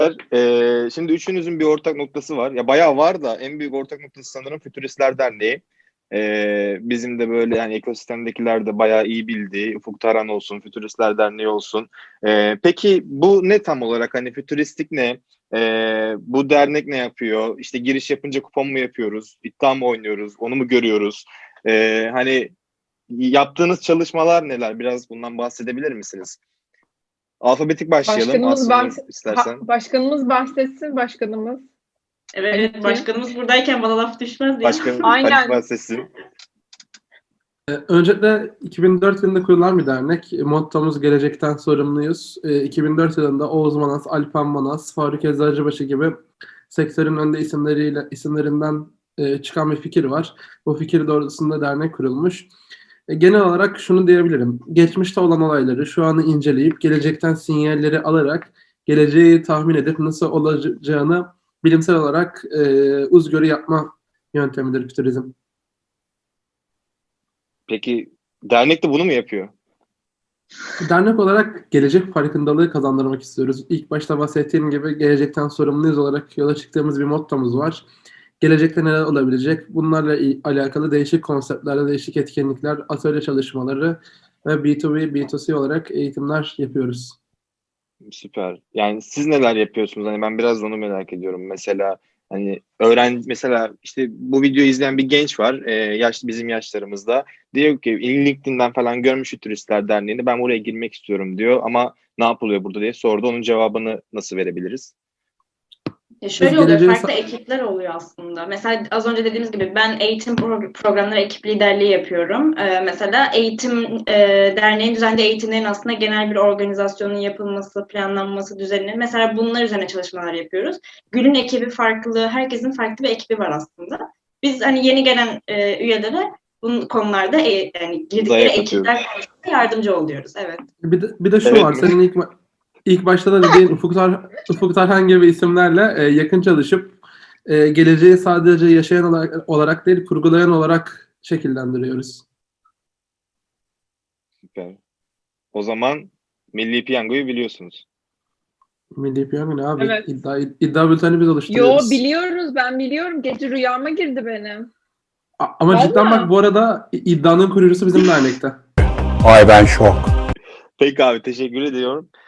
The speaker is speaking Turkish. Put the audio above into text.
Şimdi üçünüzün bir ortak noktası var. Ya bayağı var da en büyük ortak noktası sanırım Fütüristler Derneği. Bizim de böyle yani ekosistemdekiler de bayağı iyi bildiği Ufuk Taran olsun, Fütüristler Derneği olsun. Peki bu ne tam olarak? Hani fütüristik ne? Bu dernek ne yapıyor? İşte giriş yapınca kupon mu yapıyoruz? İddia mı oynuyoruz? Onu mu görüyoruz? Hani yaptığınız çalışmalar neler? Biraz bundan bahsedebilir misiniz? Alfabetik başlayalım Aslı'nur istersen. Başkanımız bahsetsin başkanımız. Evet, Haluk başkanımız buradayken bana laf düşmez diye. Başkanım Aynen. Halit bahsetsin. Öncelikle 2004 yılında kurulan bir dernek. Mottomuz gelecekten sorumluyuz. 2004 yılında Oğuz Manas, Alpan Manas, Faruk Eczacıbaşı gibi sektörün önde isimlerinden çıkan bir fikir var. Bu fikir doğrultusunda dernek kurulmuş. Genel olarak şunu diyebilirim. Geçmişte olan olayları şu anı inceleyip gelecekten sinyalleri alarak geleceği tahmin edip nasıl olacağını bilimsel olarak uzgörü yapma yöntemidir fütürizm. Peki dernek de bunu mu yapıyor? Dernek olarak gelecek farkındalığı kazandırmak istiyoruz. İlk başta bahsettiğim gibi gelecekten sorumluyuz olarak yola çıktığımız bir mottomuz var. Gelecekte neler olabilecek? Bunlarla alakalı değişik konseptlerle, değişik etkinlikler, atölye çalışmaları ve B2B, B2C olarak eğitimler yapıyoruz. Süper. Yani siz neler yapıyorsunuz? Hani ben biraz onu merak ediyorum. Mesela hani mesela işte bu videoyu izleyen bir genç var. Bizim yaşlarımızda. Diyor ki LinkedIn'den falan görmüş Turistler Derneği'ni. Ben buraya girmek istiyorum diyor ama ne yapılıyor burada diye sordu. Onun cevabını nasıl verebiliriz? Şöyle oluyor, farklı ekipler oluyor aslında. Mesela az önce dediğimiz gibi ben eğitim programları ekip liderliği yapıyorum. Mesela derneğin düzenli eğitimlerin aslında genel bir organizasyonun yapılması, planlanması, düzenlenir. Mesela bunlar üzerine çalışmalar yapıyoruz. Gül'ün ekibi farklı, herkesin farklı bir ekibi var aslında. Biz hani yeni gelen üyelere bu konularda yani girdikleri ekipler konusunda yardımcı oluyoruz. Evet. Bir de şu var, senin İlk başta da dediğin Ufuk Tarhan gibi isimlerle yakın çalışıp geleceği sadece yaşayan olarak değil, kurgulayan olarak şekillendiriyoruz. Süper. O zaman Milli Piyango'yu biliyorsunuz. Milli Piyango ne abi? Evet. İddia bülteni biz oluşturuyoruz. Biliyoruz, ben biliyorum. Gece rüyama girdi benim. Ama Vallahi. cidden bak, bu arada iddianın kurucusu bizim dernekte. Ay ben şok. Peki abi teşekkür ediyorum.